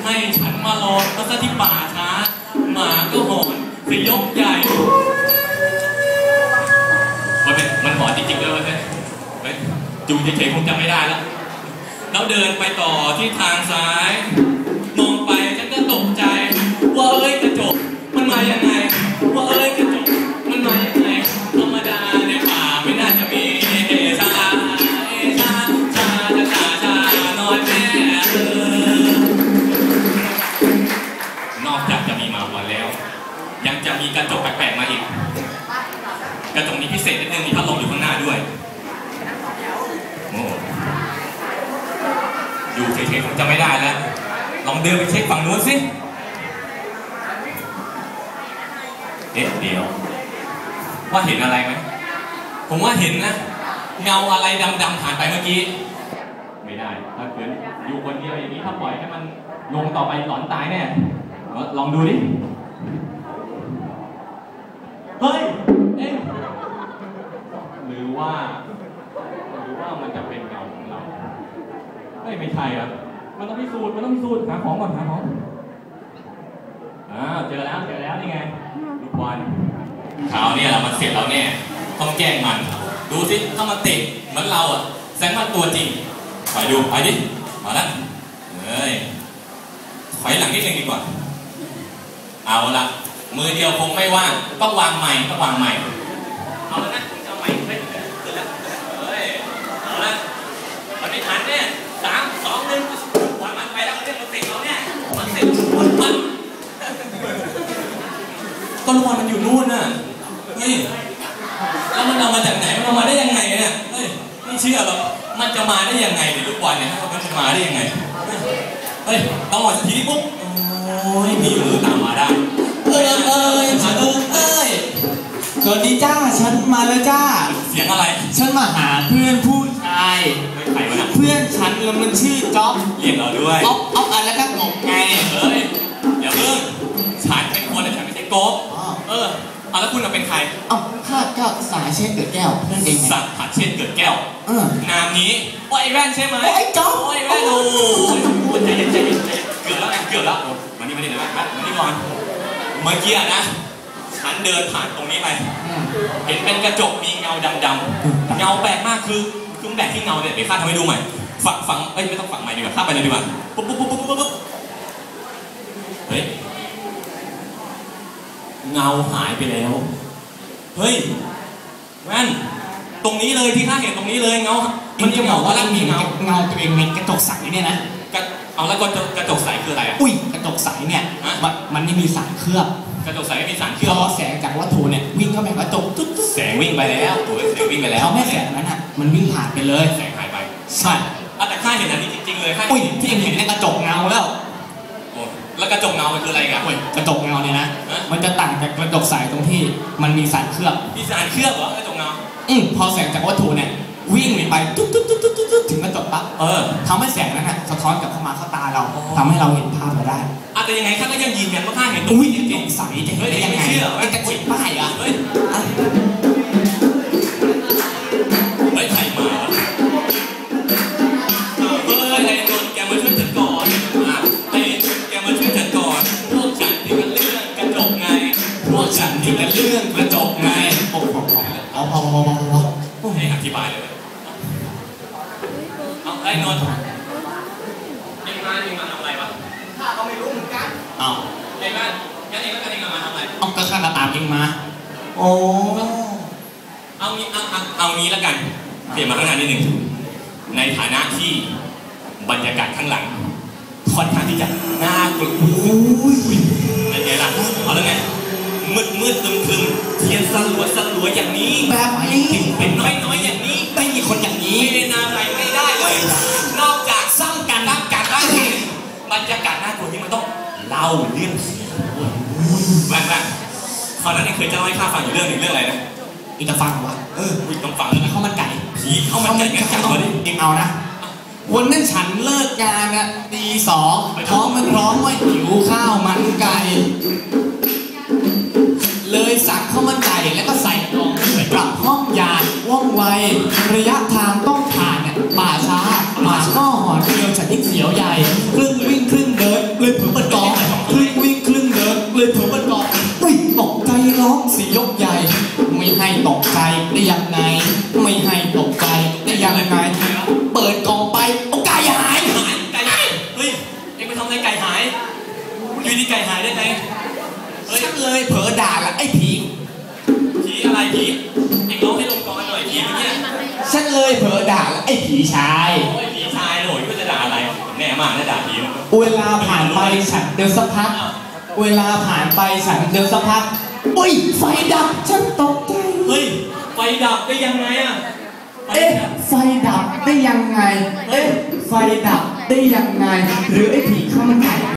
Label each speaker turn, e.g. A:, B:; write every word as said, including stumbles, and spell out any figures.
A: ให้ฉันมารอก็ซะที่ป่าช้าหมาก็หอนสยบใหญ่มันเป็นมันหอนจริงๆเลยเว้ยจูเฉยๆคงจำไม่ได้แล้วแล้วเดินไปต่อที่ทางซ้ายมองไปฉันก็ตกใจว่าเอ้ยกระจกมันมายังไงว่าเอ้ยกระจกมันมายังไงธรรมดาในป่าไม่น่าจะมีเอชาเอชาชาชาชาน้อยแม่นอกจากจะมีมาวันแล้วยังจะมีกระจกแปลกๆมาอีกกระจกนี้พิเศษนิดนึงมีพัดลมอยู่ข้างหน้าด้วยโอ้อยู่เฉยๆคงจะไม่ได้แล้วลองเดินไปเช็คฝั่งนู้นสิเอ๊ะเดี๋ยวว่าเห็นอะไรไหมผมว่าเห็นนะเงาอะไรดำๆผ่านไปเมื่อกี้ไม่ได้ถ้าเกิดอยู่คนเดียวอย่างนี้ถ้าปล่อยให้มันลงต่อไปหลอนตายแน่ลองดูดิเฮ้ยเอ๊ะหรือว่าหรือว่ามันจะเป็นเงาของเราไม่ไม่ใช่ครับมันต้องพิสูจน์มันต้องพิสูจน์หาของก่อนหาของอ่าเจอแล้วเจอแล้วนี่ไงลูกบอลคราวนี้เรามันเสร็จแล้วเนี่ยต้องแกล้งมันดูสิถ้ามันเตะเหมือนเราอ่ะแสดงว่าตัวจริงไปดูไปดิมาแล้วเฮ้ยถอยหลังนิดนึงดีกว่าเอาละมือเดียวคงไม่ว่างต้องวางใหม่ต้องวางใหม่เอาละนะจะเอาใหม่เฮ้ยขึ้นแล้วเฮ้ยเอาละมันไม่ทันเนี่ยสามสองหนึ่งวางมันไปแล้วเรื่องมันติดเราเนี่ยมันติดมันมันก็ลูกบอลมันอยู่นู่นน่ะเฮ้ยแล้วมันเอามาจากไหนมันเอามาได้ยังไงเนี่ยเฮ้ยไม่เชื่อหรอกมันจะมาได้ยังไงเนี่ยลูกบอลเนี่ยมันจะมาได้ยังไงเฮ้ยต้องหมดสักทีปุ๊บโอ้ยมีมือตามมาได้เอ้ยเอ้ยเอ้ยเอ้ยสวัสดีจ้าฉันมาแล้วจ้าเสียงอะไรฉันมาหาเพื่อนผู้ชายใครวะนะเพื่อนฉันแล้วมันชื่อจ๊อบเรียกเราด้วยอ๊อฟอ๊อฟอะไรก็งงไงเฮ้ยอย่าเพิ่งฉันเป็นคนแต่ฉันไม่ใช่โก๊ะเออเอาแล้วคุณเราเป็นใครเอ้าข้าก็สายเช่นเกิดแก้วเพื่อนเองสักผัดเช่นเกิดแก้วเออนามนี้โอ้ยแว่นใช่ไหมโอ้ยจ๊อบโอ้ยแว่นโอ้ยใจเย็นใจเย็นใจเย็นเกือบแล้วไงเกือบแล้วมานี่มานี่เดี๋ยวมามานี่ก่อนเมื่อกี้นะฉันเดินผ่านตรงนี้ไปเห็นเป็นกระจกมีเงาดำๆเงาแปลกมากคือคือแบบที่เงาเนี่ยเดี๋ยวข้าทำให้ดูใหม่ฝังฝังเอ้ยไม่ต้องฝังใหม่ดีกว่าข้าไปเลยดีกว่าปุ๊บปุ๊บปุ๊บปุ๊บปุ๊บเฮ้ยเงาหายไปแล้วเฮ้ยแว่นตรงนี้เลยที่ข้าเห็นตรงนี้เลยเงามันจะบอกว่ามีเงาเงาตัวเองในกระจกใสเนี่ยนะเอาแล้วกระจกใสคืออะไรอ่ะอุ้ยกระจกใสเนี่ยมันมันไม่มีสารเคลือบกระจกใสไม่มีสารเคลือบพอแสงจากวัตถุเนี่ยวิ่งเข้าไปกระจกตุ๊ดแสงวิ่งไปแล้วตัวแสงวิ่งไปแล้วแม่แสงนั้นอ่ะมันวิ่งผ่านไปเลยแสงหายไปใช่แต่ข้าเห็นอันนี้จริงๆเลยอุ้ยที่เห็นในกระจกเงาแล้วแล้วกระจกเงามันคืออะไรกันกระจกเงาเนี่ยนะมันจะต่างจากกระจกใสตรงที่มันมีสารเคลือบมีสารเคลือบเหรอกระจกเงาอืมพอแสงจากวัตถุเนี่ยวิ่งไปตุ๊ดตุ๊ดตุ๊ดตุ๊ดตุ๊ดถึงกระจกปั๊บเออทำให้แสงนั้นสะท้อนกลับเข้ามาเข้าตาเราทำให้เราเห็นภาพเราได้อาจจะยังไงข้าก็ยังยืนยันว่าข้าเห็นตรงนี้จริงๆใสจะเห็นได้ยังไงไอ้กระจิบป้ายอ่ะเฮ้ยไม่ใช่มาเฮ้ยไอ้นนท์แกมาช่วยฉันก่อนไอ้นนท์แกมาช่วยฉันก่อนพวกฉันที่กันเรื่องกระจกไงพวกฉันที่กันเรื่องกระจกไงโอ้โหเอาพอพอพอพอให้อธิบายเลยเอาไอ้นนท์เอ็งมาเอ็งมาทำอะไรวะข้าก็ไม่รู้เหมือนกันเอาเอ็งมางั้นเอ็งแล้วกันเอ็งมาทำอะไรเอาก็ข้าก็ตามเอ็งมาโอ้เอางี้เอาเอาเอางี้แล้วกันเปลี่ยนมาข้างหน้านิดหนึ่งในฐานะที่บรรยากาศข้างหลังค่อนข้างที่จะน่ากลัวเป็นไงล่ะเอาแล้วไงมืดมืดตึมตึมเทียนสลัวสลัวอย่างนี้แบบไหนเป็นน้อยน้อยอย่างนี้ไม่มีคนอย่างนี้ไม่ได้นาอะไรไม่ได้เลยนอกจากสร้างการร่างการร่างบรรยากาศน่ากลัวที่มันต้องเล่าเรื่องผีบ้างบ้างคราวนั้นเคยจะเล่าให้ข้าฟังอยู่เรื่องหนึ่งเรื่องอะไรนะอีกจะฟังวะเอออีกต้องฟังข้าวมันไก่ผีข้าวมันไก่กันจังเลยเองเอานะวันนั้นฉันเลิกงานอะตีสองท้องมันร้องว่าหิวข้าวมันไก่เลยสั่งข้าวมันไก่แล้วก็ใส่กล่องกลับห้องยานว่องไวระยะทางต้องผ่านเนี่ยป่าช้าหมาก็หอนเดียวฉันยิ่งเสียวใหญ่ครึ่งวิ่งครึ่งเดินเลยเผ
B: เลยเผลอด่าไอ้ผีชาย
A: โอ้ยผีชายหน่อยก็จะด่าอะไรแน่มากนะด่าผีนะ
B: เวลาผ่านไปฉันเดินสักพักเวลาผ่านไปฉันเดินสักพักอุ้ยไฟดับฉันตกใจ
A: เฮ้ยไฟดับได้ยังไงอ่ะ
B: เอ๊ะไฟดับได้ยังไงเอ๊ะไฟดับได้ยังไงหรือไอ้ผีข้าวมันไก่